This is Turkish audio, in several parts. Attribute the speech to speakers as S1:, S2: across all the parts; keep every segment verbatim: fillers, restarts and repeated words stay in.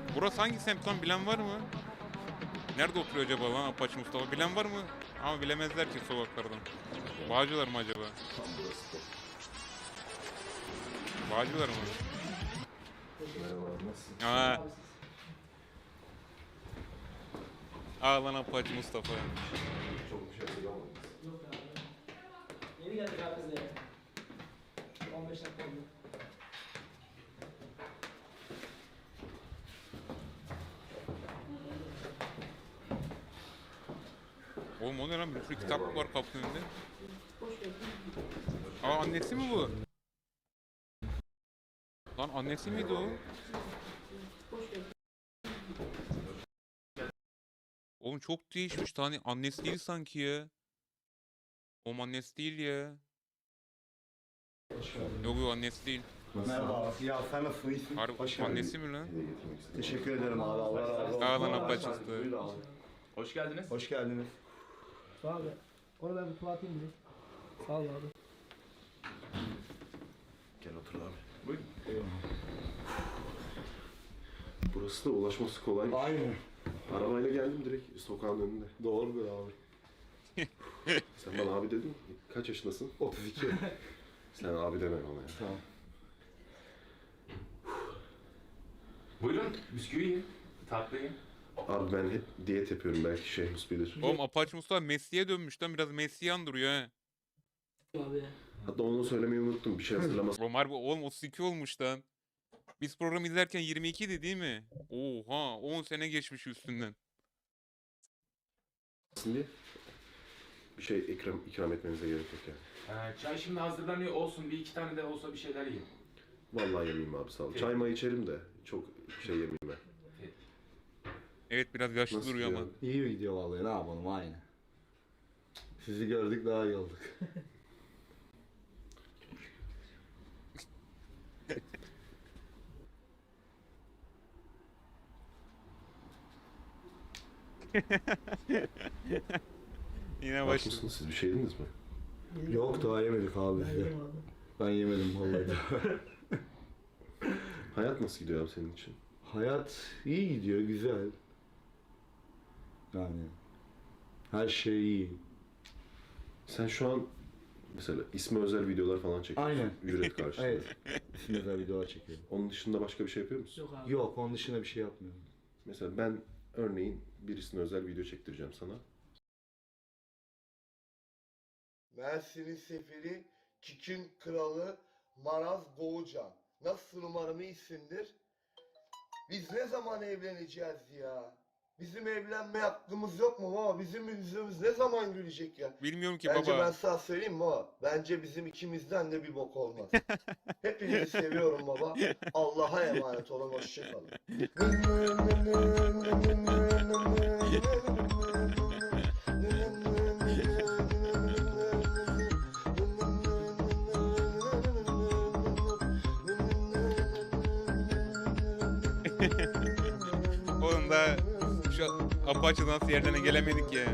S1: Burası hangi semt lan, bilen var mı? Nerede oturuyor acaba lan Apache Mustafa? Bilen var mı? Ama bilemezler ki sokaklardan. Bağcılar mı acaba? Bağcılar mı?
S2: Merhaba, nasılsın?
S1: Aa, aa lan Apache Mustafa.
S2: Çok bir şey hatırlamadınız.
S3: Yok abi. Yeni geldik abi biz de. on beş dakika oldu.
S1: Oğlum o ne lan? Bir sürü kitap var kapının önünde. Aa, annesi mi bu? Lan annesi miydi o? Oğlum çok değişmiş. Tane annesi değil sanki ya. O annesi değil ya. Yok yok, annesi değil.
S4: Merhaba. Ya sen nasılsın? İyisin?
S1: Harbi
S4: Hoş geldin.
S1: annesi mi lan?
S2: Hediye getirmek istedim.
S4: Teşekkür ederim abi. Allah razı olsun.
S1: Aa lan Apache Mustafa.
S4: Buyur abi.
S5: Hoş geldiniz.
S4: Hoş geldiniz.
S3: Sağ ol abi. Onu ben bir tuvaleteyim bir de. Sağ ol abi.
S2: Gel otur abi.
S5: Buyurun.
S2: Burası da ulaşması kolay.
S4: Aynen.
S2: Arabayla geldim direkt sokağın önünde.
S4: Doğrudur abi.
S2: Sen bana abi dedin. Kaç yaşındasın?
S4: otuz iki.
S2: Sen abi deme bana ya.
S4: Tamam.
S5: Buyurun. Bisküvi yiyin. Tatlı yiyin.
S2: Abi ben hep diyet yapıyorum, belki Şehmus bilir.
S1: Oğlum Apache Mustafa Messi'ye dönmüş lan, biraz Messi'yi andırıyor ha.
S3: Abi.
S2: Hatta onu söylemeyi unuttum. Bir şey hatırlamasam.
S1: Oğlum harbi oğlum otuz iki olmuş lan. Biz programı izlerken yirmi ikiydi değil mi? Oha, on sene geçmiş üstünden.
S2: diye bir şey ikram, ikram etmenize gerek yok yani.
S5: Ee, çay şimdi hazırlanıyor olsun. Bir iki tane de olsa bir şeyler yiyin.
S2: Vallahi yemeyeyim abi, sağ ol.
S5: Peki.
S2: Çay may içerim de çok şey yemeyeyim ben.
S1: Evet, biraz yaşlı
S2: Nasıl
S1: duruyor
S2: ya?
S1: ama.
S4: İyi gidiyor vallahi. Ne yapalım aynı. Sizi gördük daha iyi olduk.
S1: Yine
S2: Aç
S1: başladı.
S2: mısınız? Siz bir şey yediniz mi?
S4: Yok daha yemedik abi.
S3: Ben yedim abi.
S4: Ben yemedim vallahi.
S2: Hayat nasıl gidiyor abi senin için?
S4: Hayat iyi gidiyor, güzel. Yani her şey iyi.
S2: Sen şu an mesela isme özel videolar falan çekiyorsun.
S4: Aynen.
S2: Ücret karşılığında.
S4: Evet. İsim özel videolar çekiyorum.
S2: Onun dışında başka bir şey yapıyor musun?
S3: Yok abi.
S4: Yok onun dışında bir şey yapmıyorum.
S2: Mesela ben örneğin birisine özel video çektireceğim sana.
S6: Mersin'in seferi, Kikin kralı Maraz Boğucan. Nasılsın, umarım iyisindir. Biz ne zaman evleneceğiz ya? Bizim evlenme hakkımız yok mu baba? Bizim yüzümüz ne zaman gülecek ya?
S1: Bilmiyorum ki
S6: Bence
S1: baba.
S6: ben sana söyleyeyim mi baba? Bence bizim ikimizden de bir bok olmaz. Hepinizi seviyorum baba. Allah'a emanet olun, hoşçakalın.
S1: Oğlum da şu Apache nasıl yerlerine gelemedik ya.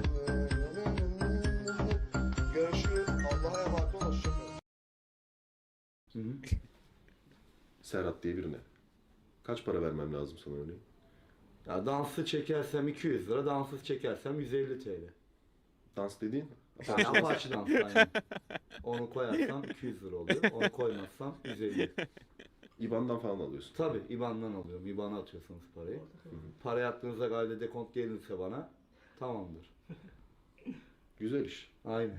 S6: Görüşürüz. Allah'a emanet olun, hoşçakalın.
S4: Hı hı.
S2: Serhat diye birine. Kaç para vermem lazım sana örneğin?
S4: Ya dansı çekersem iki yüz lira, danssız çekersem yüz elli T L.
S2: Dans dediğin?
S4: Yani Apache dans aynen. Onu koyarsam iki yüz lira oluyor. Onu koymazsam yüz elli.
S2: İban'dan falan alıyorsun.
S4: Tabi IBAN'dan alıyorum. IBAN'a atıyorsunuz parayı. Para attığınızda gayde dekont gelirse bana tamamdır.
S2: Güzel iş.
S4: Aynen.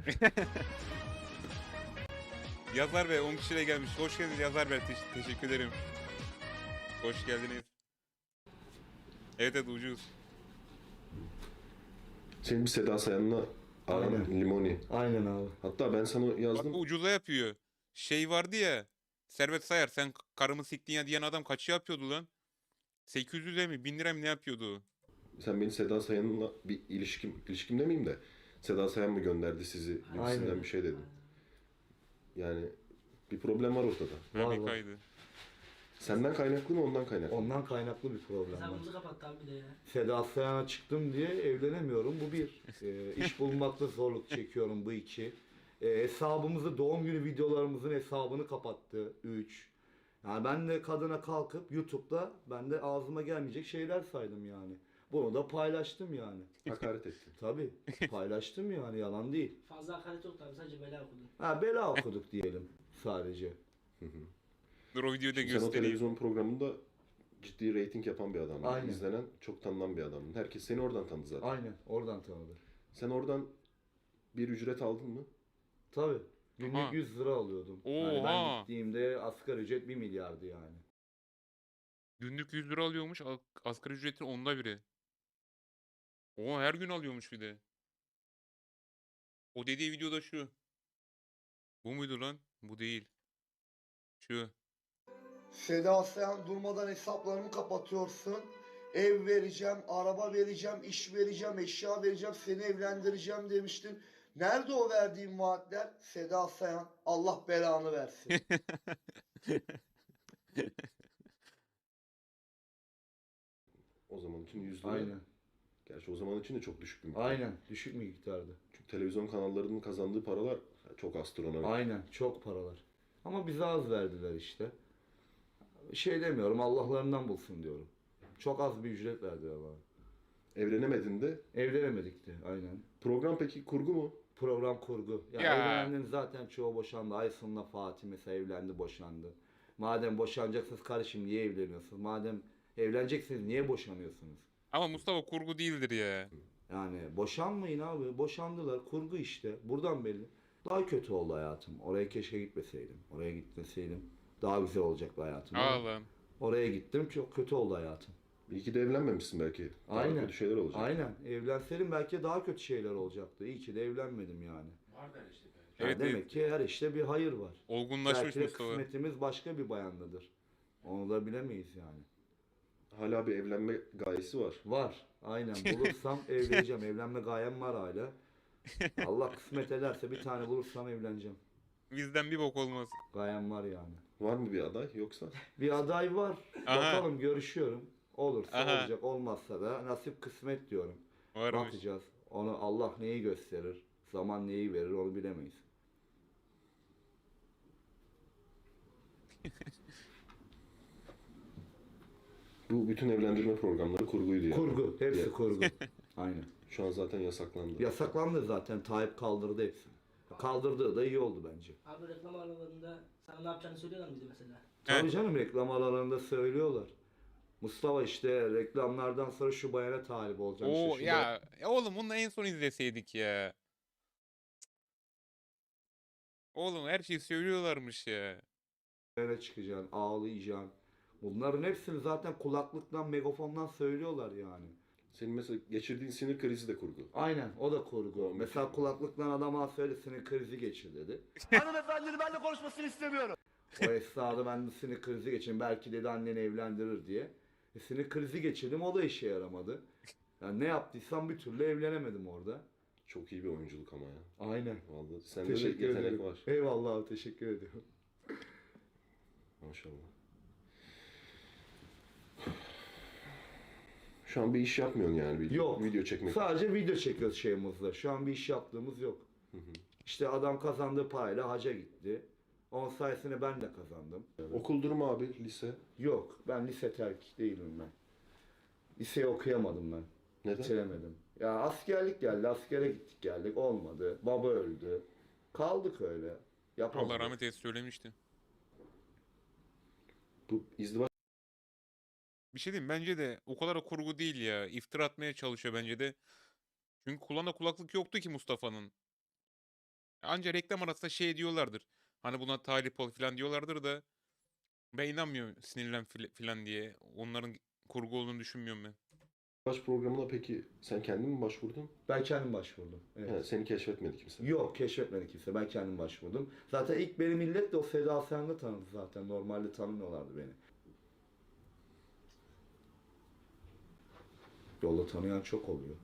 S1: Yazar Bey on kişiyle gelmiş. Hoş geldiniz Yazar Bey. Te- teşekkür ederim. Hoş geldiniz. Evet evet, ucuz.
S2: Senin bir Seda Sayan'la aran
S4: Aynen.
S2: limoni.
S4: Aynen abi.
S2: Hatta ben sana
S1: Bak
S2: yazdım.
S1: bu ucuza yapıyor. Şey vardı ya. Servet Sayar, sen k- karımı siktin ya diyen adam kaç yapıyordu lan? sekiz yüze mi bin lira mı ne yapıyordu?
S2: Sen beni Seda Sayan'la bir ilişkim, ilişkim demeyeyim de Seda Sayan mı gönderdi sizi gibisinden
S4: Aynen.
S2: bir şey dedim. Yani bir problem var ortada.
S1: Ha,
S4: Var,
S1: bir
S4: var.
S1: kaydı.
S2: Senden kaynaklı mı, ondan kaynaklı mı?
S4: Ondan kaynaklı bir problem var.
S3: Hesabımızı kapattı abi bir de ya.
S4: Seda Sayan'a çıktım diye evlenemiyorum. Bu bir. Ee, iş bulmakta zorluk çekiyorum. Bu iki. Ee, hesabımızı, doğum günü videolarımızın hesabını kapattı. Üç. Yani ben de kadına kalkıp YouTube'da ben de ağzıma gelmeyecek şeyler saydım yani. Bunu da paylaştım yani.
S2: Hakaret ettin.
S4: Tabii paylaştım yani, yalan değil.
S3: Fazla hakaret yok tabii, sadece bela okudun.
S4: Ha, bela okuduk diyelim sadece.
S1: Dur o videoyu da
S2: Şimdi sen o
S1: göstereyim.
S2: televizyon programında ciddi reyting yapan bir adamdın.
S4: Aynen.
S2: İzlenen, çok tanınan bir adamdın. Herkes seni oradan tanıdı zaten.
S4: Aynen, oradan tanıdı.
S2: Sen oradan bir ücret aldın mı?
S4: Tabii. Günlük
S1: Aha.
S4: yüz lira alıyordum. Yani ben
S1: Oha.
S4: gittiğimde asgari ücret bir milyardı yani.
S1: Günlük yüz lira alıyormuş. a- Asgari ücretin onda biri. O her gün alıyormuş bir de. O dediği videoda şu. Bu muydu lan? Bu değil. Şu.
S6: Seda Sayan durmadan hesaplarımı kapatıyorsun. Ev vereceğim, araba vereceğim, iş vereceğim, eşya vereceğim, seni evlendireceğim demiştin. Nerede o verdiğin vaatler? Seda Sayan, Allah belanı versin.
S2: O zaman için yüz lira.
S4: Aynen.
S2: Gerçi o zaman için de çok düşük bir miktar.
S4: Aynen. Düşük miktardı.
S2: Çünkü televizyon kanallarının kazandığı paralar çok astronomik.
S4: Aynen. Çok paralar. Ama bize az verdiler işte. Şey demiyorum, Allah'larından bulsun diyorum. Çok az bir ücret verdiler bana.
S2: Evlenemedin de.
S4: Evlenemedik de aynen.
S2: Program peki kurgu mu?
S4: Program kurgu. Ya,
S1: Ya.
S4: evlenenlerin zaten çoğu boşandı. Aysun'la Fatih mesela evlendi, boşandı. Madem boşanacaksınız kardeşim niye evleniyorsunuz? Madem evleneceksiniz niye boşanıyorsunuz?
S1: Ama Mustafa kurgu değildir ya.
S4: Yani boşanmayın abi. Boşandılar. Kurgu işte. Buradan belli. Daha kötü oldu hayatım. Oraya keşke gitmeseydim. Oraya gitmeseydim daha güzel olacaktı hayatım. Ama
S1: Ağlam.
S4: oraya gittim, çok kötü oldu hayatım.
S2: İyi ki de evlenmemişsin belki. Daha
S4: Aynen.
S2: kötü şeyler olacak.
S4: Aynen. Evlenseydim belki daha kötü şeyler olacaktı. İyi ki de evlenmedim yani.
S5: Var der işte belki.
S4: Yani
S1: Evet,
S4: demek ki her işte bir hayır var.
S1: Olgunlaşmış
S4: Belki de
S1: Mustafa.
S4: kısmetimiz başka bir bayandadır. Onu da bilemeyiz yani.
S2: Hala bir evlenme gayesi var.
S4: Var. Aynen. Bulursam evleneceğim. Evlenme gayem var hala. Allah kısmet ederse bir tane bulursam evleneceğim.
S1: Bizden bir bok olmaz.
S4: Gayem var yani.
S2: Var mı bir aday yoksa?
S4: Bir aday var.
S1: Aha.
S4: Bakalım, görüşüyorum. Olursa
S1: Aha.
S4: olacak, olmazsa da nasip kısmet diyorum.
S1: Varmış.
S4: Bakacağız. Onu Allah neyi gösterir, zaman neyi verir onu bilemeyiz.
S2: Bu bütün evlendirme programları kurguydu yani.
S4: Kurgu, hepsi
S2: Ya-
S4: kurgu. Aynen.
S2: Şu an zaten yasaklandı.
S4: Yasaklandı zaten. Tayyip kaldırdı hepsini. Kaldırdığı da iyi oldu bence.
S3: Abi reklam aralarında sana ne yapacağını söylüyorlar mıydı mesela?
S4: Tabii canım, reklam aralarında söylüyorlar. Mustafa işte reklamlardan sonra şu bayana talip olacaksın.
S1: Oo
S4: işte şu
S1: ya ya oğlum bunu en son izleseydik ya. Oğlum her şeyi söylüyorlarmış ya.
S4: bayana çıkacaksın, ağlayacaksın. Bunların hepsini zaten kulaklıktan, megafondan söylüyorlar yani.
S2: Senin mesela geçirdiğin sinir krizi de kurgu.
S4: Aynen, o da kurgu.
S2: O
S4: Mesela
S2: meşhur.
S4: kulaklıktan adama söyle sinir krizi geçir dedi.
S6: Hanımefendinin benimle konuşmasını istemiyorum.
S4: O esnada ben de sinir krizi geçirdim. Belki dedi anneni evlendirir diye. E, sinir krizi geçirdim, o da işe yaramadı. Yani ne yaptıysam bir türlü evlenemedim orada.
S2: Çok iyi bir oyunculuk ama ya.
S4: Aynen.
S2: Vallahi sende de
S4: Teşekkür
S2: yetenek
S4: ederim.
S2: var.
S4: Eyvallah abi, teşekkür ediyorum.
S2: Maşallah. Şu an bir iş yapmıyorsun yani. Bir
S4: Yok.
S2: video çekmek.
S4: Sadece video çekiyoruz şeyimizde. Şu an bir iş yaptığımız yok.
S2: Hı hı.
S4: İşte adam kazandığı parayla haca gitti. Onun sayesinde ben de kazandım.
S2: Okul durumu abi, lise.
S4: Yok, ben lise terk değilim ben. Liseyi okuyamadım ben.
S2: Neden?
S4: Bitiremedim. Ya askerlik geldi, askere gittik geldik, olmadı. Baba öldü. Kaldık öyle. Yapamadık.
S1: Allah rahmet eylesin söylemişti.
S2: Bu izdivaç
S1: Bir şey diyeyim bence de o kadar da kurgu değil ya. İftira atmaya çalışıyor bence de. Çünkü kulağında kulaklık yoktu ki Mustafa'nın. Anca reklam arasında şey diyorlardır. Hani buna talip ol falan diyorlardır da. Ben inanmıyorum sinirlen fil- falan diye. Onların kurgu olduğunu düşünmüyorum ben.
S2: programına peki sen kendin mi başvurdun?
S4: Ben kendim başvurdum. Evet.
S2: He, seni keşfetmedi kimse.
S4: Yok, keşfetmedi kimse. Ben kendim başvurdum. Zaten ilk beni millet de o Seda Sayan'la tanıdı zaten. Normalde tanımıyorlardı beni. Yolda tanıyan çok oluyor.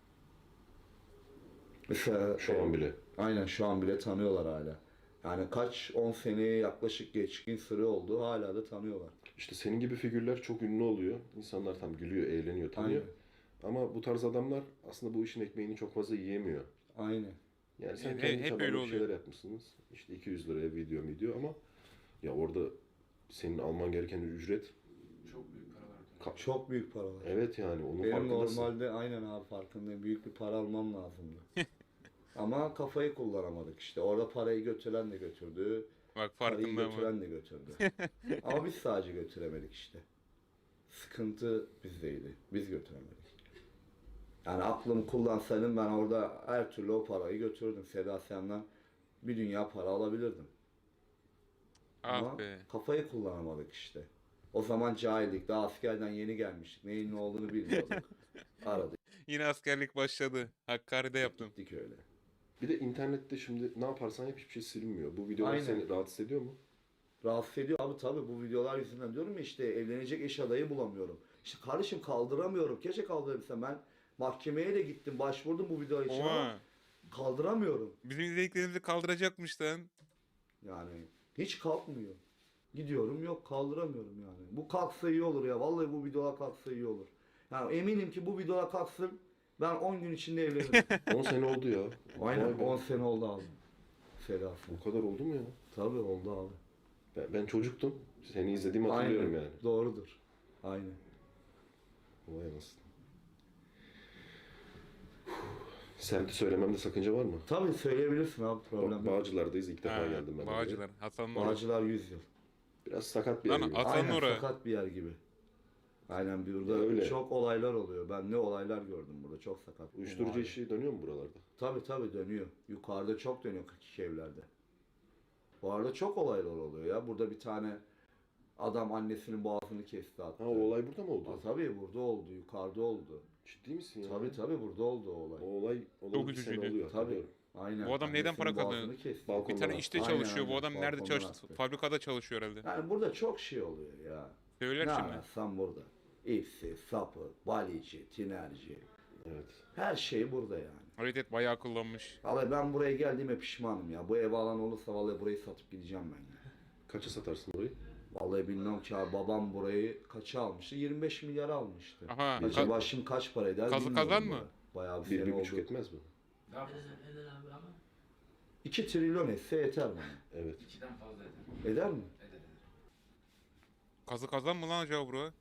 S4: Mesela
S2: Şu an bile.
S4: aynen, şu an bile tanıyorlar hala. Yani kaç on seneye yaklaşık geçkin süre oldu, hala da tanıyorlar.
S2: İşte senin gibi figürler çok ünlü oluyor. İnsanlar tam gülüyor, eğleniyor, tanıyor.
S4: Aynen.
S2: Ama bu tarz adamlar aslında bu işin ekmeğini çok fazla yiyemiyor.
S4: Aynen.
S2: Yani sen
S1: Hep-
S2: kendi
S1: hep
S2: çabanla
S1: öyle
S2: bir şeyler
S1: oluyor.
S2: yapmışsınız. İşte iki yüz liraya video video ama ya orada senin alman gereken ücret.
S5: Çok büyük paralar.
S2: Ka-
S4: Çok büyük paralar.
S2: Evet yani onun
S4: Benim
S2: farkındasın.
S4: normalde aynen abi farkındayım. Büyük bir para almam lazımdı. Ama kafayı kullanamadık işte. Orada parayı götüren de götürdü.
S1: Bak
S4: Parayı
S1: farkında mı?
S4: götüren de götürdü. Ama biz sadece götüremedik işte. Sıkıntı bizdeydi. Biz götüremedik. Yani aklımı kullansaydım ben orada her türlü o parayı götürürdüm. Seda Sayan'dan bir dünya para alabilirdim. Ama
S1: Ah be.
S4: kafayı kullanamadık işte. O zaman cahildik. Daha askerden yeni gelmiştik. Neyin ne olduğunu bilmiyorduk. Aradık
S1: Yine askerlik başladı. Hakkari'de yaptım.
S4: gittik öyle.
S2: Bir de internette şimdi ne yaparsan yap hiçbir şey silinmiyor. Bu videolar
S4: Aynen.
S2: seni rahatsız ediyor mu?
S4: Rahatsız ediyor abi tabii bu videolar yüzünden diyorum ya işte evlenecek eş adayı bulamıyorum. İşte kardeşim kaldıramıyorum. Keşke kaldırabilsem ben. Mahkemeye de gittim başvurdum bu video için ama
S1: Oha.
S4: kaldıramıyorum.
S1: Bizim izlediklerimizi kaldıracakmış lan.
S4: Yani hiç kalkmıyor. Gidiyorum yok kaldıramıyorum yani. Bu kalksa iyi olur ya. Vallahi bu videolar kalksa iyi olur. Yani eminim ki bu videolar kalksın ben on gün içinde evlenirim.
S2: on sene oldu ya.
S4: Aynen
S2: Vay be.
S4: on sene oldu abi. Sedasın.
S2: O kadar oldu mu ya?
S4: Tabii oldu abi.
S2: Ben, ben çocuktum. Seni izlediğimi hatırlıyorum
S4: Aynen.
S2: yani.
S4: Doğrudur. Aynen.
S2: Vay anasını. Semti söylememde sakınca var mı?
S4: Tabii söyleyebilirsin abi
S2: Ba-
S4: problem yok.
S2: Bağcılar'dayız. İlk defa
S1: Ha,
S2: geldim ben. oraya.
S1: Bağcılar. Hasan'ın orası.
S4: Bağcılar yüz yıl.
S2: Biraz sakat bir yer
S1: Lan
S2: gibi.
S1: at- Hasan'ın
S4: Aynen
S1: orası.
S4: sakat bir yer gibi. Aynen bir burada
S2: Öyle.
S4: çok olaylar oluyor. Ben ne olaylar gördüm burada. Çok sakat.
S2: Uyuşturucu
S4: Mahalle.
S2: işi dönüyor mu buralarda?
S4: Tabii tabii dönüyor. Yukarıda çok dönüyor kırk iki evlerde. Bu arada çok olaylar oluyor ya. Burada bir tane adam annesinin boğazını kesti hatta.
S2: Ha o olay burada mı oldu?
S4: Ha, tabii burada oldu. Yukarıda oldu.
S2: Ciddi misin ya?
S4: Tabii tabii burada oldu o olay.
S2: O olay olalı
S1: Çok
S2: bir sene
S1: üzücüydü.
S2: oluyor.
S4: Tabii.
S2: hatırlıyorum.
S4: Aynen.
S1: Bu adam neyden para
S4: Annesinin
S1: kazanıyor?
S4: boğazını kesti.
S2: Balkon-
S1: Bir tane
S2: Balkonda.
S1: işte
S4: Aynen,
S1: çalışıyor. Bu
S4: aynen.
S1: adam nerede
S4: Balkondan
S1: çalıştı?
S4: attı.
S1: Fabrikada çalışıyor herhalde.
S4: Yani burada çok şey oluyor ya.
S1: Söyler
S4: Ne
S1: şimdi.
S4: ararsan burada. İpsi, sapı, balici, tinerci.
S2: Evet.
S4: Her şey burada yani.
S1: Hareket bayağı kullanmış.
S4: Vallahi ben buraya geldiğime pişmanım ya. Bu ev alan olursa vallahi burayı satıp gideceğim ben ya.
S2: Kaça satarsın burayı?
S4: Vallahi bilmem ki abi babam burayı kaça almıştı? yirmi beş milyar almıştı.
S1: Aha.
S2: Gece
S1: ka-
S4: Acaba şimdi kaç para eder
S1: Kazı
S4: bilmiyorum
S1: kazan
S4: da.
S1: mı?
S4: Bayağı bir
S2: Bir,
S4: sene
S2: bir
S4: oldu.
S2: buçuk etmez mi?
S5: Daha fazla.
S3: Eder, eder abi ama.
S4: iki trilyon etse yeter bana.
S2: Evet.
S5: İkiden fazla eder.
S4: Eder mi?
S5: Eder eder.
S1: Kazı kazan mı lan acaba bura?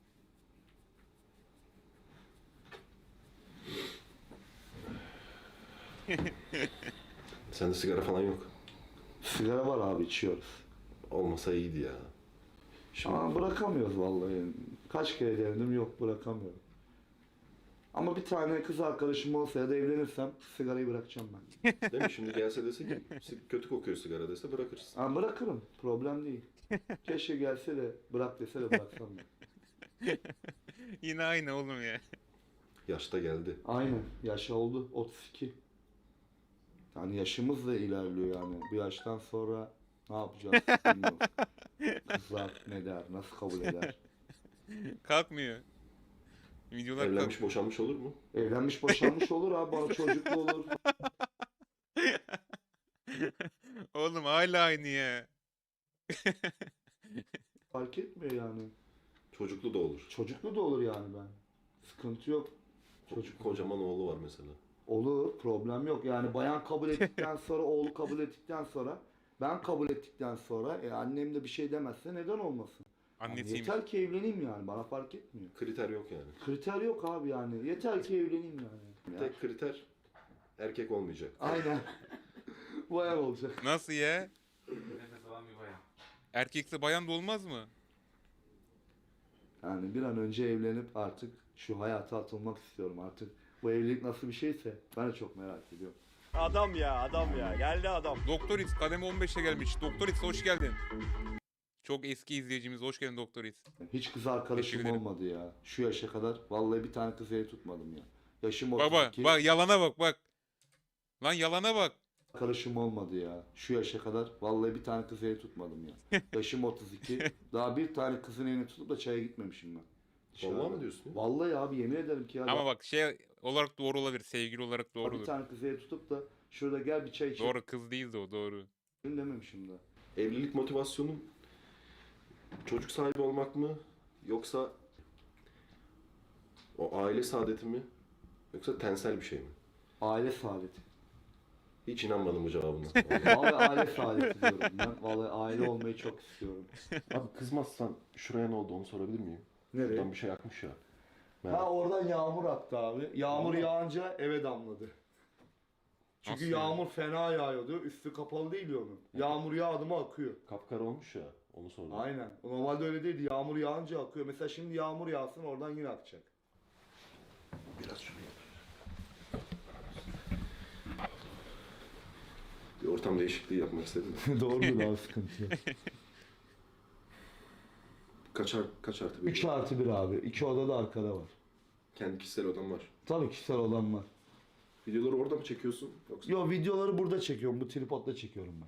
S2: Sende sigara falan yok.
S4: Sigara var abi içiyoruz.
S2: Olmasa iyiydi ya. Şimdi
S4: Ama bırakamıyoruz vallahi. Kaç kere denedim yok bırakamıyorum. Ama bir tane kız arkadaşım olsa ya da evlenirsem sigarayı bırakacağım ben.
S2: değil mi? Şimdi gelse dese ki "Si- kötü kokuyor sigara dese bırakırsın.
S4: Ha, bırakırım. Problem değil. Keşke gelse de bırak dese de bıraksam ben.
S1: Yine aynı oğlum ya.
S2: Yaşta geldi.
S4: Aynen. Yaş oldu. otuz iki. Yani yaşımız da ilerliyor yani. Bu yaştan sonra ne yapacağız bilmiyorum. Kızlar ne der, nasıl kabul eder?
S1: Kalkmıyor. Videolar
S2: Evlenmiş boşanmış olur mu?
S4: Evlenmiş boşanmış olur abi. Bana çocuklu olur.
S1: kalk- Oğlum hala aynı ya.
S4: Fark etmiyor yani.
S2: Çocuklu da olur.
S4: Çocuklu da olur yani ben. Sıkıntı yok. Çocuk
S2: Kocaman oğlu var mesela.
S4: olur. Problem yok. Yani bayan kabul ettikten sonra, oğlu kabul ettikten sonra, ben kabul ettikten sonra e, annem de bir şey demezse neden olmasın? Yani
S1: Annesiymiş.
S4: yeter ki evleneyim yani. Bana fark etmiyor.
S2: Kriter yok yani.
S4: Kriter yok abi yani. Yeter ki evleneyim yani. Ya.
S2: Tek kriter erkek olmayacak.
S4: Aynen. Bayağı olacak.
S1: Nasıl ya?
S5: Nefes alan bir bayan.
S1: Erkekse bayan da olmaz mı?
S4: Yani bir an önce evlenip artık şu hayata atılmak istiyorum artık. Bu evlilik nasıl bir şeyse ben de çok merak ediyorum.
S7: Adam ya adam ya geldi adam.
S1: Doktor X kademe on beşe gelmiş. Doktor X hoş geldin. Çok eski izleyicimiz. Hoş geldin Doktor X.
S4: Hiç kız
S1: Teşekkür
S4: arkadaşım
S1: ederim.
S4: olmadı ya. Şu yaşa kadar vallahi bir tane kız eli tutmadım ya. Yaşım otuz
S1: Baba
S4: iki.
S1: bak yalana bak bak. Lan yalana bak.
S4: Arkadaşım olmadı ya. Şu yaşa kadar vallahi bir tane kız eli tutmadım ya. Yaşım otuz iki. Daha bir tane kızın elini tutup da çaya gitmemişim ben. Dışarıda.
S2: Vallahi mı diyorsun ya?
S4: Vallahi abi yemin ederim ki ya.
S1: Ama bak şey olarak doğru olabilir. Sevgili olarak
S4: bir
S1: doğrudur.
S4: tane kız eli tutup da şurada gel bir çay içelim
S1: Doğru kız değildi o doğru.
S4: dememişim daha.
S2: Evlilik motivasyonun çocuk sahibi olmak mı? Yoksa o aile saadeti mi? Yoksa tensel bir şey mi?
S4: Aile saadeti.
S2: Hiç inanmadım bu cevabına.
S4: Vallahi aile saadeti diyorum ben. Vallahi aile olmayı çok istiyorum.
S2: Abi kızmazsan şuraya ne oldu onu sorabilir miyim?
S4: Nereye?
S2: Buradan bir şey akmış ya. Merak-
S4: Ha oradan yağmur aktı abi. Yağmur
S2: Vallahi.
S4: yağınca eve damladı. Çünkü
S1: Nasıl yani?
S4: yağmur fena yağıyordu. Üstü kapalı değil ya onun. Yağmur yağdı mı akıyor.
S2: Kapkara olmuş ya. Onu sordum.
S4: Aynen. Normalde öyle değildi. Yağmur yağınca akıyor. Mesela şimdi yağmur yağsın oradan yine akacak.
S2: Biraz şuraya. Bir ortam değişikliği yapmak istedim de.
S4: Doğrudur abi, sıkıntı yok.
S2: Kaç, ar- kaç artı bir?
S4: üç artı bir abi. iki oda da arkada var.
S2: Kendi kişisel odam var.
S4: Tabii kişisel odam var.
S2: Videoları orada mı çekiyorsun? Yoksa?
S4: Yo, videoları burada çekiyorum. Bu tripodla çekiyorum ben.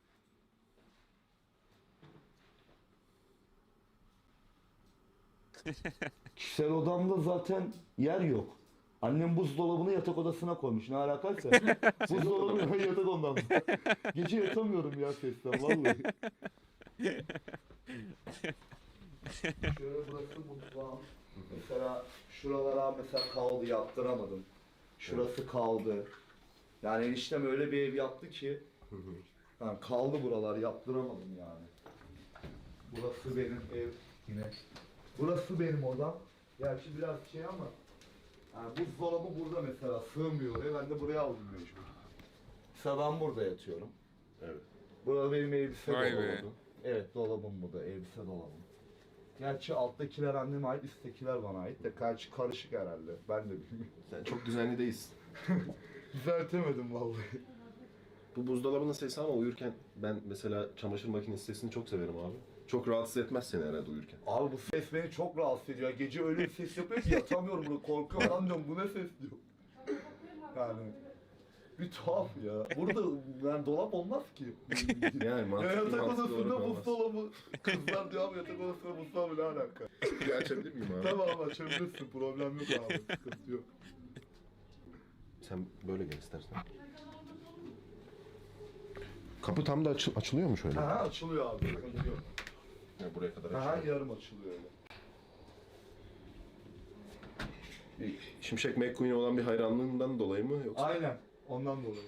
S4: Kişisel odamda zaten yer yok. Annem buzdolabını yatak odasına koymuş. Ne alakaysa. Buzdolabını yatak ondan. Gece yatamıyorum ya sesten vallahi. Şöyle burası mutfağım. Mesela şuralara mesela kaldı, yaptıramadım. Şurası kaldı. Yani eniştem öyle bir ev yaptı ki yani kaldı buralar, yaptıramadım yani. Burası benim ev yine. Burası benim odam. Gerçi biraz şey ama yani buzdolabı burada mesela sığmıyor oraya. Ben de buraya aldım mecbur. Mesela ben burada yatıyorum.
S2: Evet.
S4: Burada benim elbise
S1: Vay be.
S4: dolabım. Evet, dolabım bu da, elbise dolabım. Gerçi alttakiler anneme ait, üsttekiler bana ait de karşı karışık herhalde. Ben de bilmiyorum.
S2: Sen çok düzenli değilsin.
S4: Düzeltemedim vallahi.
S2: Bu buzdolabının sesi ama uyurken ben mesela çamaşır makinesi sesini çok severim abi. Çok rahatsız etmez seni herhalde uyurken.
S4: Abi bu ses beni çok rahatsız ediyor. Gece öyle bir ses yapıyor ki yatamıyorum burada. Korkuyorum lan diyorum, bu ne ses diyor. Yani bir tuhaf ya. Burada yani dolap olmaz ki.
S2: Yani
S4: Ya
S2: mantıklı
S4: yatak
S2: mantıklı
S4: odasında
S2: olarak olmaz.
S4: buzdolabı. Kızlar diyor abi yatak odasında buzdolabı ne alaka?
S2: Bir açabilir miyim abi?
S4: Tamam açabilirsin, problem yok abi, sıkıntı yok.
S2: Sen böyle gel istersen. Kapı tam da açı- açılıyor mu şöyle?
S4: Aha açılıyor abi, sıkıntı yok.
S2: Yani buraya kadar
S4: Aha
S2: açılıyor.
S4: yarım açılıyor öyle.
S2: Bir Şimşek McQueen'e olan bir hayranlığından dolayı mı yoksa?
S4: Aynen, ondan dolayı.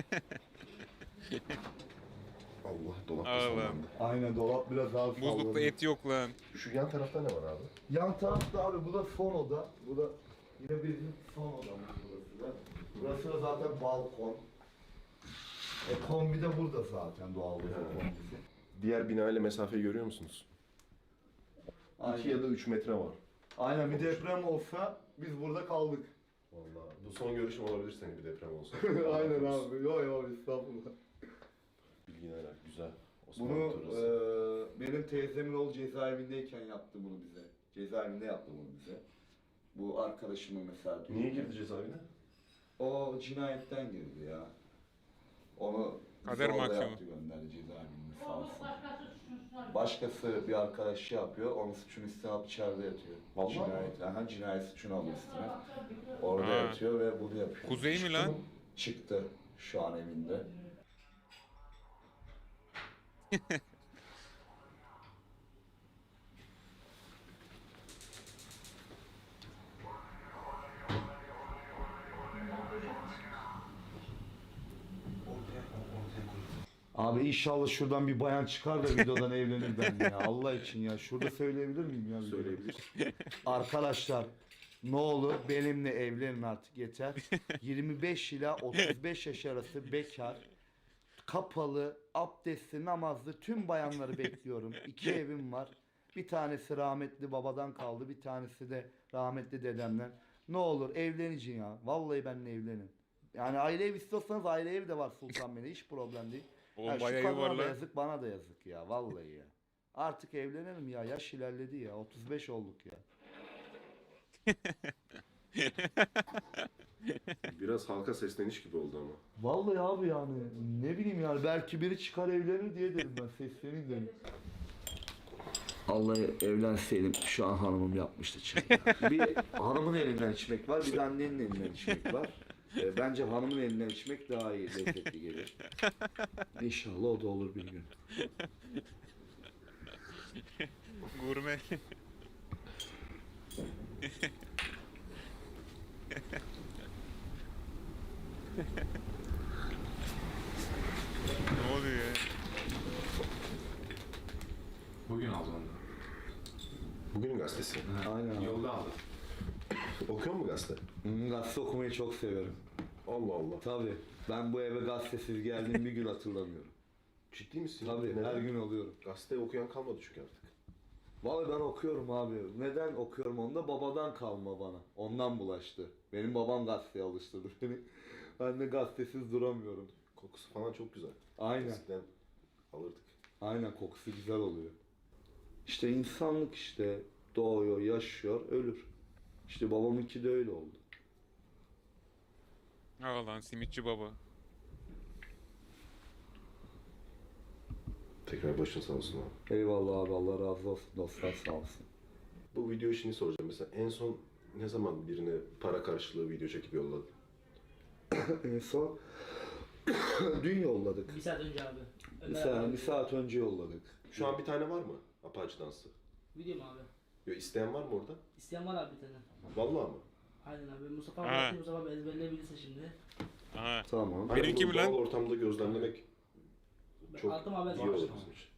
S2: Allah dolapta
S1: Allah.
S2: sallandı.
S4: Aynen, dolap biraz daha
S1: Buzlukta
S4: salladı.
S1: et yok lan.
S2: Şu yan tarafta ne var abi?
S4: Yan tarafta abi bu da son oda. Bu da yine bizim son odamız burası da. Burası da zaten balkon. E kombi de burada zaten doğal bir
S2: Ha.
S4: kombisi.
S2: Diğer bina ile mesafeyi görüyor musunuz? iki ya da üç metre var.
S4: Aynen, bir deprem olsa biz burada kaldık.
S2: Vallahi bu son görüşüm olabilir senin bir deprem olsa.
S4: Aynen abi. Yo yo, estağfurullah.
S2: Bilgin helal. Güzel. Osmanlı
S4: Bunu
S2: turası.
S4: eee benim teyzemin oğlu cezaevindeyken yaptı bunu bize. Cezaevinde yaptı bunu bize. Bu arkadaşımı mesela.
S2: Niye girdi cezaevine?
S4: O cinayetten girdi ya. Onu
S1: Kader
S4: zorla
S1: mahkumu.
S4: yaptı, gönderdi cezaevinde sağ olsun. Başkası bir arkadaşı yapıyor, onun suçunu üstüne alıp içeride yatıyor.
S2: Vallahi
S4: Cinayet, aha, cinayet suçunu alıyor üstüne. Orada
S1: Ha.
S4: yatıyor ve bunu yapıyor.
S1: Kuzey mi lan?
S4: Çıktı şu an evinde. Abi inşallah şuradan bir bayan çıkar da videodan evlenir ben ya. Allah için ya. Şurada söyleyebilir miyim ya? videoda?
S2: Söyleyebilir.
S4: Arkadaşlar ne olur benimle evlenin artık, yeter. yirmi beş ila otuz beş yaş arası bekar, kapalı, abdestli, namazlı tüm bayanları bekliyorum. İki evim var. Bir tanesi rahmetli babadan kaldı, bir tanesi de rahmetli dedemden. Ne olur evleneceğim ya. Vallahi benimle evlenin. Yani aile ev istiyorsanız aile evi de var Sultanbeyli'de, hiç problem değil.
S1: Oğlum
S4: Ya şu
S1: bayağı iyi
S4: kadına
S1: var
S4: da
S1: lan.
S4: yazık, bana da yazık ya, vallahi ya. Artık evlenelim ya, yaş ilerledi ya, otuz beş olduk ya.
S2: Biraz halka sesleniş gibi oldu ama.
S4: Vallahi abi yani ne bileyim yani, belki biri çıkar evlenir diye dedim ben, sesleneyim dedim. Vallahi evlenseydim şu an hanımım yapmıştı çay. Bir hanımın elinden içmek var, bir de annenin elinden içmek var. Ee, bence hanımın elinden içmek daha iyi, lezzetli gelir. İnşallah o da olur bir gün.
S1: Gurme.
S2: Bugünün gazetesi.
S4: Aynen abi.
S2: Yolda aldım. Okuyor mu gazete?
S4: Hmm, gazete okumayı çok severim.
S2: Allah Allah.
S4: Tabii. Ben bu eve gazetesiz geldiğim bir gün hatırlamıyorum.
S2: Ciddi misin?
S4: Tabii
S2: Neden?
S4: her gün alıyorum.
S2: Gazete okuyan kalmadı çünkü artık.
S4: Vallahi ben okuyorum abi. Neden okuyorum onu da babadan kalma bana. Ondan bulaştı. Benim babam gazeteye alıştırdı beni. Ben de gazetesiz duramıyorum.
S2: Kokusu falan çok güzel.
S4: Aynen.
S2: Eskiden alırdık.
S4: Aynen kokusu güzel oluyor. İşte insanlık işte doğuyor, yaşıyor, ölür. İşte babamınki de öyle oldu.
S1: Aa lan simitçi baba.
S2: Tekrar başın sağ olsun abi.
S4: Eyvallah abi, Allah razı olsun, dostlar sağ olsun.
S2: Bu video işini soracağım. Mesela en son ne zaman birine para karşılığı video çekip yolladın?
S4: En son dün yolladık.
S3: Bir saat önce abi.
S4: Bir
S3: Ömer
S4: saat,
S3: abi.
S4: bir saat önce yolladık.
S2: Şu an bir tane var mı? Apache dansı.
S3: Video mu abi?
S2: Yo, isteyen var mı orada?
S3: İsteyen var abi bir tane.
S2: Vallahi mı?
S3: Aynen abi. Mustafa
S1: Ha.
S3: abi atıyor, Mustafa abi ezberleyebilirse şimdi.
S1: Aha.
S4: Tamam.
S2: Hani
S1: Benimki
S2: bunu
S1: mi lan?
S2: doğal ortamda gözlemlemek çok
S3: Attım abi.
S2: iyi olur bizim için.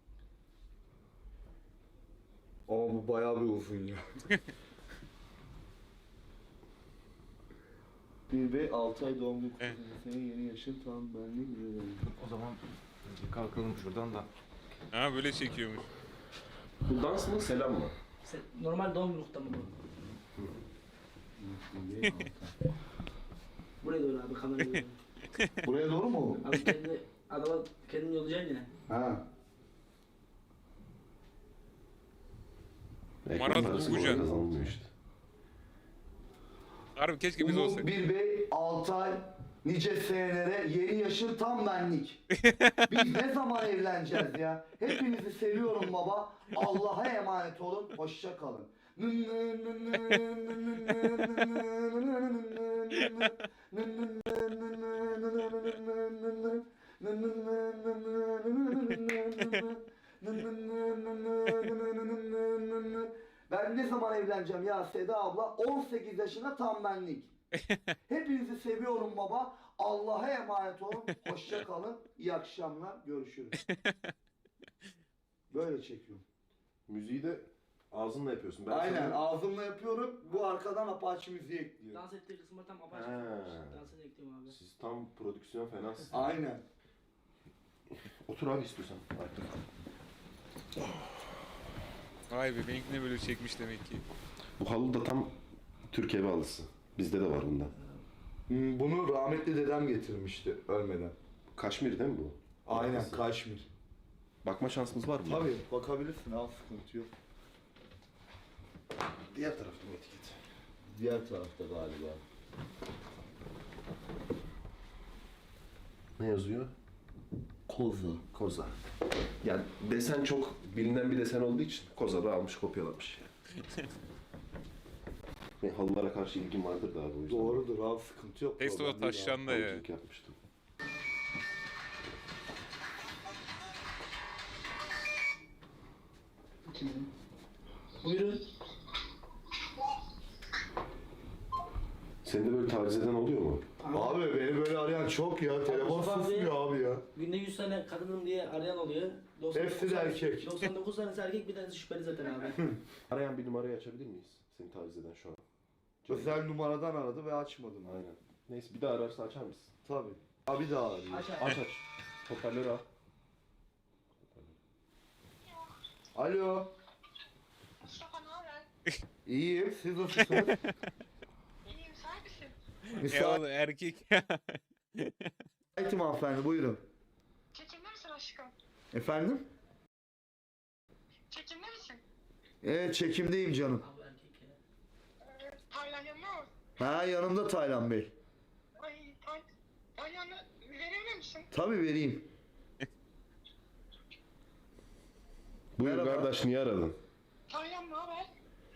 S4: Ama bu bayağı bir uzun ya. Bir ve altı ay doğumlu
S1: Evet.
S4: kızım. Senin yeni yaşın tam benlik.
S5: O zaman kalkalım şuradan da.
S1: Ha böyle çekiyormuş.
S2: Bu dans mı, selam mı?
S3: Sen, normal doğum günlükte mi bu? Buraya doğru abi kameraya doğru.
S4: Buraya doğru mu?
S3: Abi kendi adama kendini yollayacaksın yine.
S4: Ha.
S1: Marat
S2: Ekmek parası
S1: Bulgucan.
S2: kolay kazanılmıyor işte.
S1: Harbi keşke biz
S4: Umut
S1: olsak.
S4: bir bey, altı ay, nice senelere, yeni yaşın tam benlik. Biz ne zaman evleneceğiz ya? Hepinizi seviyorum baba. Allah'a emanet olun. Hoşça kalın. Ben ne zaman evleneceğim ya Seda abla? on sekiz yaşına tam benlik. Hepinizi seviyorum baba. Allah'a emanet olun. Hoşça kalın. İyi akşamlar. Görüşürüz. Böyle çekiyorum.
S2: Müziği de ağzınla yapıyorsun. Ben
S4: Aynen
S2: sanıyorum-
S4: ağzımla yapıyorum. Bu arkadan Apache müziği ekliyor.
S3: Dans ettiği kısımda tam apaçık.
S2: Ha.
S3: Dansını ekliyorum abi.
S2: Siz tam prodüksiyon fenasınız.
S4: Aynen.
S2: Otur abi istiyorsan.
S1: Vay be benimkini böyle çekmiş demek ki.
S2: Bu halı da tam Türk evi halısı. Bizde de var bundan.
S4: Hmm, Bunu rahmetli dedem getirmişti ölmeden.
S2: Kaşmir değil mi bu?
S4: Aynen
S2: Halısı.
S4: Kaşmir.
S2: Bakma şansımız var mı?
S4: Tabii bakabilirsin al sıkıntı yok.
S2: Diğer tarafın etiketi.
S4: Diğer tarafta galiba.
S2: Ne yazıyor?
S4: Koza.
S2: Koza. Yani desen çok bilinen bir desen olduğu için Koza da almış kopyalamış. Benim halılara karşı ilgim vardır da abi o yüzden.
S4: Doğrudur abi sıkıntı yok.
S1: Testo
S4: problem değil abi.
S1: taşlandı ya.
S2: Halıcılık yapmıştım.
S3: Buyurun.
S2: Seni de böyle taciz eden oluyor mu?
S4: Abi beni böyle arayan çok ya. Telefon
S3: Mustafa abi-
S4: susmuyor abi ya.
S3: Günde yüz tane kadınım diye arayan oluyor. doksan dokuz
S4: Hepsi de
S3: tane-
S4: erkek.
S3: doksan dokuz tanesi erkek, bir tanesi şüpheli zaten abi.
S2: Arayan bir numarayı açabilir miyiz? Seni taciz eden şu an.
S4: Özel numaradan aradı ve açmadım.
S2: Aynen. Neyse bir daha ararsa açar mısın?
S4: Tabii. Abi daha arıyor.
S3: Aç abi.
S2: Aç aç. Hoparlörü al.
S4: Alo.
S8: Mustafa ne haber?
S4: İyiyim. Siz nasılsınız?
S8: İyiyim, sen misin?
S1: E
S4: Müsait.
S1: oğlum erkek.
S4: Müsaitim hanımefendi buyurun.
S8: Çekimde misin aşkım?
S4: Efendim?
S8: Çekimde misin?
S4: Evet çekimdeyim canım.
S3: Abi erkek ya.
S8: Ee, Taylan yanına mı?
S4: Ha yanımda Taylan Bey.
S8: Ay, Tay Taylan'ı verebilir misin?
S4: Tabii vereyim.
S2: Buyur
S4: Merhaba.
S2: kardeş niye aradın?
S8: Taylan ne haber?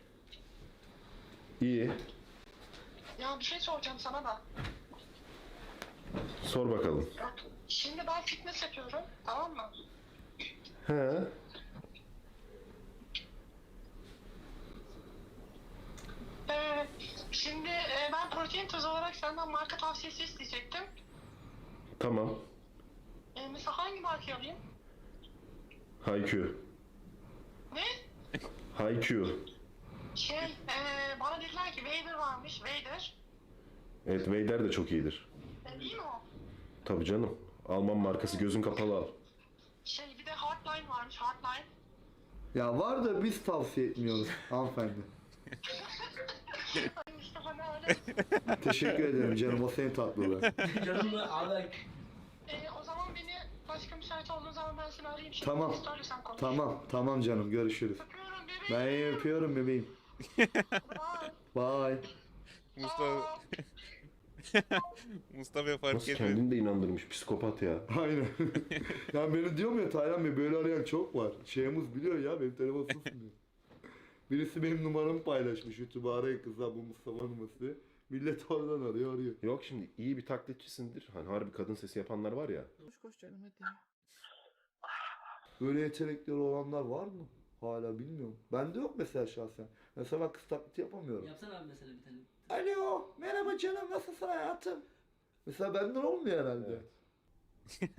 S2: İyi.
S8: Ya bir şey soracağım sana da.
S2: Sor bakalım.
S8: Bak, şimdi ben fitness yapıyorum, tamam mı?
S2: He.
S8: Ee, şimdi e, ben protein tozu olarak senden marka tavsiyesi isteyecektim.
S2: Tamam.
S8: Ee, mesela hangi markayı alayım?
S2: Haykü.
S8: Ne?
S2: Haikyuu.
S8: Şey, e, bana dediler ki Vader varmış, Vader.
S2: Evet, Vader de çok iyidir.
S8: E, iyi mi o?
S2: Tabii canım. Alman markası, gözün kapalı al.
S8: Şey, bir de Hardline varmış, Hardline.
S4: Ya var da biz tavsiye etmiyoruz hanımefendi.
S8: Ay Mustafa ne öyle?
S4: Teşekkür ederim canım, o senin tatlılığı.
S3: Canım da abi.
S8: E, o zaman beni başka müsait olduğun zaman ben seni arayayım. Şimdi
S4: Tamam.
S8: istersen konuş.
S4: Tamam, tamam canım, görüşürüz.
S8: Öpüyorum
S4: Ben
S8: bebeğim.
S4: iyi öpüyorum bebeğim.
S8: Bye.
S4: Bye.
S1: Mustafa Mustafa fark
S2: Nasıl
S1: etmedi.
S2: kendini de inandırmış, psikopat ya.
S4: Aynen. Ya beni diyorum ya, Taylan Bey böyle arayan çok var. Şeyimiz biliyor ya, benim telefon susmuyor. Birisi benim numaramı paylaşmış. YouTube'a arayın kızlar, bu Mustafa numarası diye. Millet oradan arıyor arıyor.
S2: Yok şimdi iyi bir taklitçisindir. Hani harbi kadın sesi yapanlar var ya.
S3: Koş koş canım hadi.
S4: Böyle yetenekleri olanlar var mı? Hala bilmiyorum. Bende yok mesela şahsen. Mesela ben kız taklidi yapamıyorum.
S3: Yapsana abi mesela bir tane.
S4: Alo, merhaba canım, nasılsın hayatım? Mesela benden olmuyor herhalde.
S2: Evet.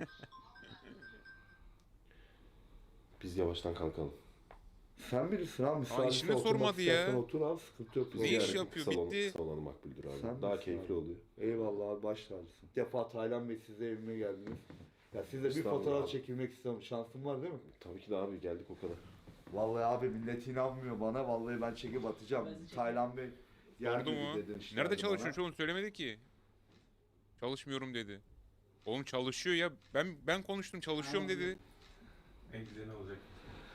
S2: Biz yavaştan kalkalım.
S4: Sen bilirsin abi, müsaade
S1: işini sormadı ya.
S4: Otur abi, sıkıntı yok.
S1: Ne
S2: Biz
S1: iş
S2: yarın
S1: yapıyor,
S2: kısa olan-
S1: bitti.
S2: Kısa olanı makbuldür abi.
S4: Sen
S2: Daha
S4: misin
S2: keyifli
S4: abi?
S2: oluyor.
S4: Eyvallah abi, baş tacısın. Bir defa Taylan Bey, siz de evime geldiniz. Ya sizle bir
S2: Estağfurullah
S4: fotoğraf
S2: abi.
S4: çekilmek istiyorum. Şansım var değil mi?
S2: Tabii ki de abi, geldik o kadar.
S4: Vallahi abi millet inanmıyor bana. Vallahi ben çekip atacağım.
S3: Ben sizi çekeyim.
S4: Taylan Bey yer
S1: Sordu
S4: dedi
S1: mu?
S4: dedin işte
S1: Nerede
S4: abi
S1: çalışıyorsun
S4: bana.
S1: oğlum, söylemedi ki. Çalışmıyorum dedi. Oğlum çalışıyor ya. Ben ben konuştum, çalışıyorum dedi.
S5: En güzel ne olacak?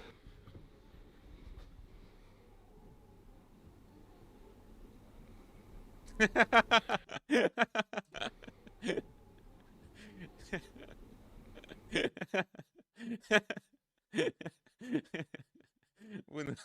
S1: Bu ne?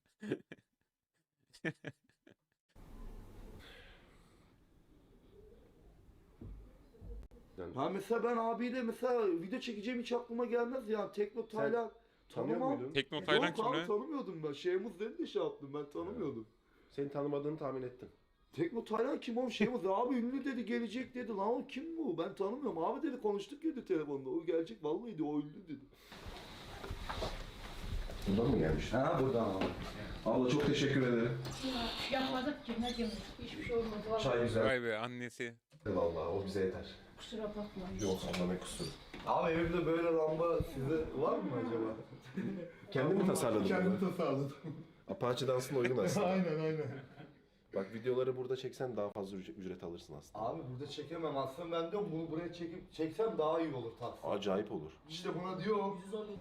S2: Yani
S4: Ha mesela ben abiyle mesela video çekeceğim hiç aklıma gelmez ya. Tekno Taylan
S2: tanıyor
S4: tanımam.
S2: muydun?
S1: Tekno Taylan
S4: Yok
S1: kim
S4: abi
S1: lan?
S4: tanımıyordum ben. Şeyimiz dedi de şey yaptım, ben tanımıyordum.
S2: Seni tanımadığını tahmin ettim.
S4: Tekno Taylan kim oğlum, şeyimiz abi ünlü dedi, gelecek dedi. Lan o kim bu? Ben tanımıyorum. Abi dedi, konuştuk ya dedi telefonda. O gelecek vallahi dedi, o ünlü dedi.
S2: Buradan mı gelmiş?
S4: Ha buradan abi.
S2: Abla çok teşekkür ederim.
S9: Yapmadık ki ne diyeyim, hiçbir şey olmadı. Vallahi
S2: Çay güzel.
S1: Vay be, annesi.
S2: Vallahi o bize yeter.
S9: kusura bakma.
S2: Yok abla, ne kusuru.
S4: Abi evimde böyle lamba size var mı acaba?
S2: Kendin mi tasarladın
S4: Kendim
S2: bunu?
S4: tasarladım.
S2: Apache dansına uygun aslında.
S4: aynen aynen.
S2: Bak videoları burada çeksen daha fazla ücret, ücret alırsın aslında.
S4: Abi burada çekemem aslında, ben diyorum bunu buraya çekip çeksem daha iyi olur taksi.
S2: Acayip olur.
S4: İşte buna diyor.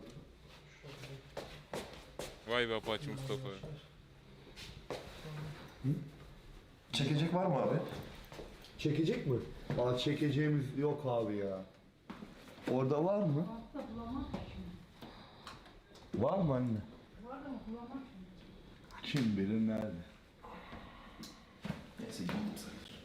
S1: Vay be Apache Mustafa.
S2: Çekecek var mı abi?
S4: Çekecek mi? Aa, çekeceğimiz yok abi ya. Orada var mı?
S9: Altta bulamam ki şimdi.
S4: Var mı anne?
S9: Var ama bulamam şimdi.
S4: Kim bilir nerede?
S2: Neyse gidelim sayılır.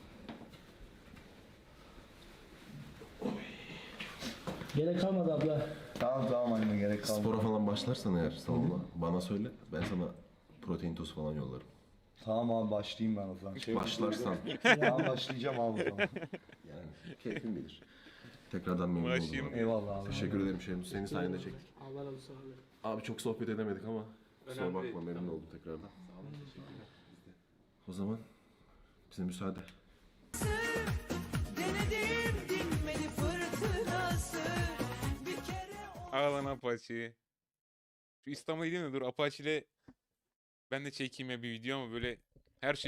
S3: Gerek kalmadı abla.
S4: Tamam tamam anne, gerek kalmadı.
S2: Spora falan başlarsan eğer salonda bana söyle. Ben sana protein tozu falan yollarım.
S4: Tamam abi, başlayayım ben o zaman.
S2: Başlarsan
S4: Tamam başlayacağım abi o zaman.
S2: yani keyfin bilir. Tekrardan memnun
S1: Başlayayım.
S2: oldum abi.
S4: Eyvallah abi.
S2: Teşekkür ederim Şemuz. Senin sayende çektik.
S3: Allah razı olsun abi.
S2: Abi çok sohbet edemedik ama kusura
S5: Önemli
S2: bakma,
S5: değil,
S2: memnun
S5: tamam.
S2: oldum tekrardan. O zaman bize müsaade.
S1: Ağlan Apache. Şu İstanbul'a gideyim de dur Apache ile ben de çekeyim ya bir video, ama böyle her şey